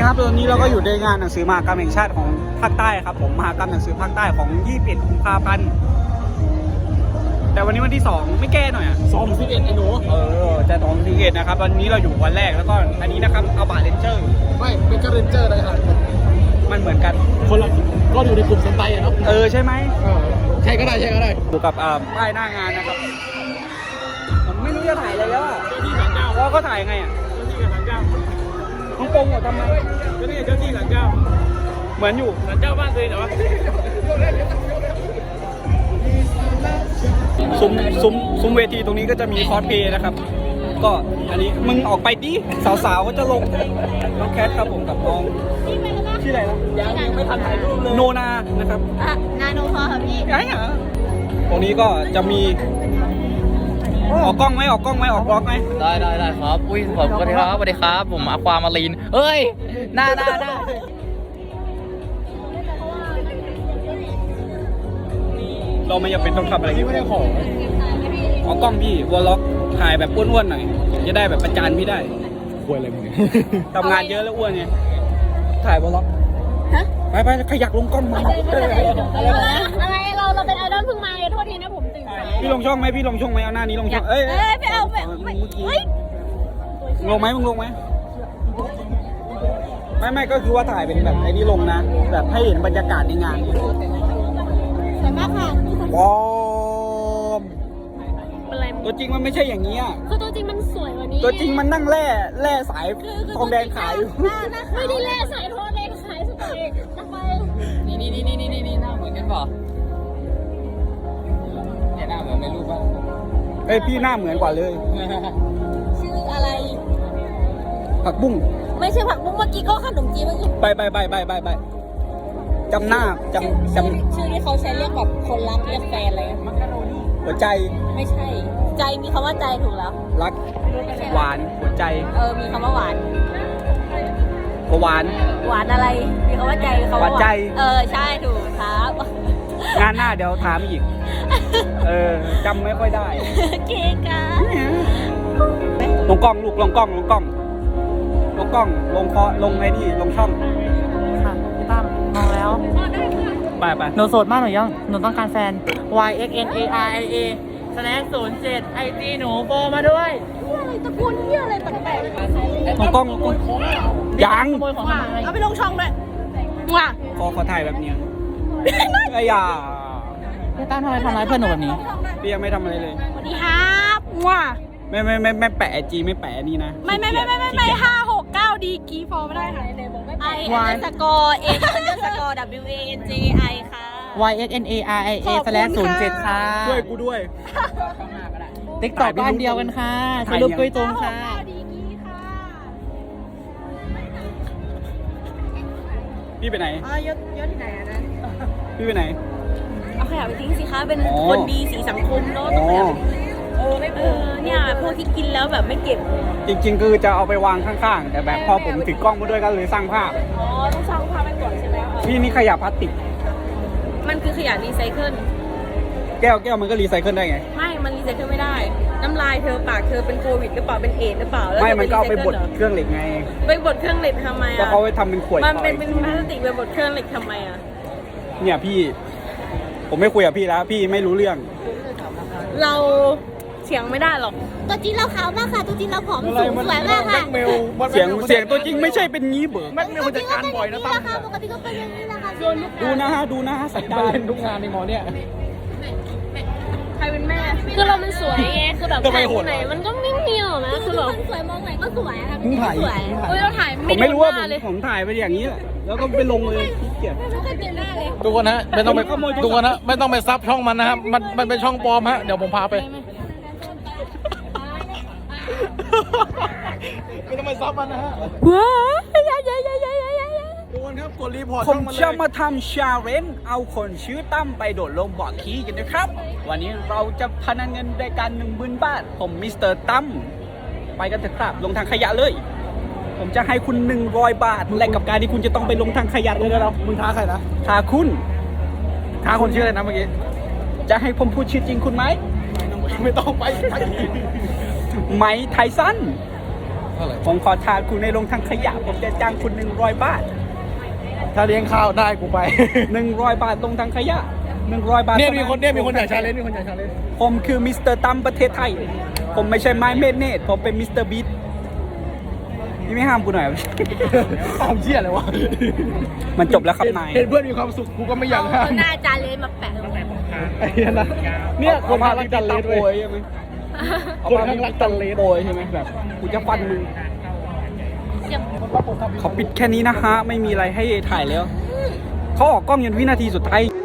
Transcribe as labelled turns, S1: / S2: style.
S1: ครับตอนนี้เราก็อยู่ในงานหนังสือมหกรรมแห่งชาติของภาคใต้ครับผมมหกรรมหนังสือภาคใต้ของ21 กุมภาพันธ์แต่วันนี้วันที่2ไม่แก้หน่อยอ่ะ
S2: 2-11ไอ้หนู
S1: จะ2-11นะครับวันนี้เราอยู่วันแรกแล้วก็อันนี้นะครับเอาบาร์เรนเจอร์
S2: ไม่เป็นก็เรนเจอร์เลยครับ
S1: มันเหมือนกัน
S2: คนละก็อยู่ในกลุ่มเซนไตอะเนาะ
S1: ใช่ไหม
S2: ใช่ก็ได้
S1: ดูกับป้ายหน้างานนะครับผมไม่รู้จะถ่ายอะไรแล้วอ่ะว่าก็ถ่ายไงอ่ะต้องปงเหรอทำไม
S2: ก็นี่เจ้าที่หลังเจ้า
S1: เหมือนอยู่
S2: หลังเจ้าบ้านเลยเหรอ
S1: ซุ้มเวทีตรงนี้ก็จะมีคอสเพลย์นะครับก็อันนี้มึงออกไปดิสาวๆก็จะลงน้องแคทครับผมกับน้องชื่ออะไรนะ
S2: ยังไม่ทันถ่ายรูปเลย
S1: โนนานะครับ
S3: นาโนพอค่ะพี่
S1: ไงอ่ะตรงนี้ก็จะมีออกกล้องไหมออกบล็อกไหม
S4: ได้ครับอุ้ยผมสวัสดีครับผมอความารีนเอ้ยหน้า
S1: เราไม่จำเป็นต้องทำอะไรที่ไม่ได้ของออกกล้องพี่วอลล็อกถ่ายแบบอ้วนๆหน่อยจะได้แบบประจานพี่ได้
S2: ป่วยอะไรมึง
S1: ทำงานเยอะแล้วอ้วนไงถ่ายวอลล็อกไปขยักลงกล้องมา
S3: อะไรเราเป็นไอดอลเพิ่งมาโทษทีนะผมตื่นสาย
S1: พี่ลงช่องไหมเอาหน้านี้ลงช่อง
S3: ไม่เอาแบบ
S1: ลงไหมมึงลงไหมไม่ก็คือว่าถ่ายเป็นแบบไอ้นี่ลงนะแบบให้เห็นบรรยากาศในงาน
S3: สวยมากค่ะ
S1: ว้าวตัวจริงมันไม่ใช่อย่างนี้อ่ะ
S3: คือตัวจริงมันสวยกว่านี้
S1: ตัวจริงมันนั่งแร่สายทองแดงขายอยู่
S3: ไม่ได้แร่สายทองแดงขายสุดเลยทำไม
S4: นี่หน้าเหมือนกันป่ะเนี่ยหน้าเหมือนในรูปป่ะ
S1: พี่หน้าเหมือนกว่าเลย
S3: ชื่ออะไร
S1: ผักบุ้ง
S3: ไม่ใช่ผักบุ้งเมื่อกี้ก็ขนมจีนเมื่อกี้
S1: ไปจำหน้าจำ
S3: ชื่อที่เขาใช้เรียกแบบคนรักเรียกแฟนอะไร
S1: หัวใจ
S3: ไม่ใช่ใจมีคำว่าใจถูกแล้ว
S1: รักหวานหัวใจ
S3: มีคำว่าหวาน
S1: หวาน
S3: อะไรมีคำว่าใจคำว่า
S1: หวานใจ
S3: ใช่ถูกครับ
S1: งานหน้าเดี๋ยวถามอีกจำไม่ค่อยได้
S3: เก๋กัน
S1: ลงกล้องลูกลงกล้องลงไอ้นี่ลงช่อง
S5: ค่ะพี่ตั้มมองแล้ว
S1: ไป
S5: หนูโสดมากหนูยังหนูต้องการแฟน YXNARIA /07 IG หนูโปรมาด้วย
S3: อะไรตะกุนเหี้ยอะไรแปลก
S1: ลงกล้องยัง
S3: เอาไปลงช่องด้วยว่ะ
S1: ขอถ่ายแบบนี้ไอ้ยา
S5: พี่ตั้มทำไมทำร้ายเพื่อนหนูแบบนี้
S1: พี่ยังไม่ทำอะไรเลย
S3: สวัสดีครับว่ะ
S1: ไม่แปะจีไม่แปะนี่นะ
S3: ไม่569ดีกีฟอร์ไม่ได้ค่ะI_WANJI ค่ะ
S5: YXNARIA /07 ค่ะ
S1: ช่วยกูด้วย
S5: TikTok ก็อันเดียวกันค่ะถ่ายรูปกุ้ยตรงค่ะ
S1: พี่ไปไหน
S3: ยศที่ไหนนะ
S1: พี่ไปไหน
S3: เอาขยะไปทิ้งสิคะเป็นคนดีสีสังคมเนาะต้องขยะเนี่ยพวกที่กินแล้วแบบไม่เก็บ
S1: จริงๆคือจะเอาไปวางข้างๆแต่แบบพอผมถือกล้องมาด้วยก็เลยสร้างภาพ
S3: ต้องสร้างภาพไปก่อนใช่ไหม
S1: พี่นี่ขยะพลาสติก
S3: มันคือขยะรีไซเคิล
S1: แก้วมันก็รีไซเคิลได้ไง
S3: ไม่มันรีไซเคิลไม่ได้น้ำลายเธอปากเธอเป็นโควิดหรือเปล่าเป็นเอดหรือเปล่าแล้ว
S1: ไม่มันก็เอาไปบดเครื่องเหล็กไง
S3: ไปบดเครื่องเหล็กทำไม
S1: ก็เขาไปทำเป็นขวด
S3: มันเป็นพลาสติกไปบดเครื่องเหล็กทำไม
S1: เนี่ยพี่ผมไม่คุยกับพี่แล้วพี่ไม่รู้เรื่อง
S3: เราเสียงไม่ได้หรอกตัวจริงเราขาวมากค่ะตัวจริงเราผอมสูงสวยมากค่ะ
S1: เสียงตัวจริงไม่ใช่เป็นงี้เบิร์แม็กเมลมันจะการบ่อยนะตั้ม
S3: ปกติก็เป็นอย่างนี้แหละค่ะ
S1: ดูนะฮะสัตว์เล่นทุกงานในหมอเนี่ย
S3: ใครเป็นแม่คือเรามันสวยไงคือแบบถ่ายที่ไหนมันก็ไม่มีหรอกนะคือแบบสวยมองไหนก็สวยค่ะ
S1: มึงถ่าย
S3: เราถ่าย
S1: ไม่รู้ว่าผมถ่ายไปอย่างนี้แหละแล้วก็ไปลงเลยเกลียด
S2: ทุกคนฮะไม่ต้องไปทุกคนฮะไม่ต้องไปซับช่องมันนะครับมันเป็นช่องปลอมฮะเดี๋ยวผมพาไปไม่ต้องไปซับมันนะฮะ
S3: ว้าว
S2: ทุกคนครับกดรีพอร์ต
S1: ผมจะมาทำชาเลนจ์เอาคนชื่อตั้มไปโดดลงบ่อขี้กันนะครับวันนี้เราจะพนันเงินด้วยกัน10,000 บาทผมมิสเตอร์ตั้มไปกันเถอะครับลงทางขยะเลยผมจะให้คุณ100 บาทแลกกับการที่คุณจะต้องไปลงทางขยะเลยนะเรา
S2: มึงท้าใครนะ
S1: ท้าคุณ
S2: ท้าคนชื่ออะไรนะเมื่อกี้
S1: จะให้ผมพูดชื่อจริงคุณไหม
S2: ไม่ต้องไป
S1: ไมค์ไทสัน
S2: ท่าไหร่
S1: ผมขอทานคุณในลงทางขยะ ผมจะจ้างคุณ100 บาท
S2: ถ้าเลี้ยงข้าวได้กูไป
S1: 100 บาทลงทางขยะ100 บาท
S2: เนี่ยมีคนอยากชาเลนจ์มีคนอยากชาเลนจ์
S1: ผมคือมิสเตอร์ตั้มประเทศไทย ผมไม่ใช่ไม้เมดเนตผมเป็นมิสเตอร์บีทนี่ไม่ห้ามกูหน่อย
S2: ความเชี่ยเลยวะ
S1: มันจบแล้วครับนาย
S2: เห็นเพื่อนมีความสุขกูก็ไม่อยากห้าม
S3: หน้าจานเลยมาแปะ
S2: ไอ้เหี้ยนะเนี่ยคน
S1: มา
S2: รักจันเลส
S1: โปร
S2: เว้
S1: ย
S2: ย
S1: ใช่ไหม
S2: คนข้างรักจันเลส
S1: โปรยใช่ไหมแบบกูจะฟันมึง
S3: เสียง
S1: เขาปิดแค่นี้นะฮะ ไม่มีอะไรให้ถ่ายแล้ว เขาออกกล้องยันวินาทีสุดท้าย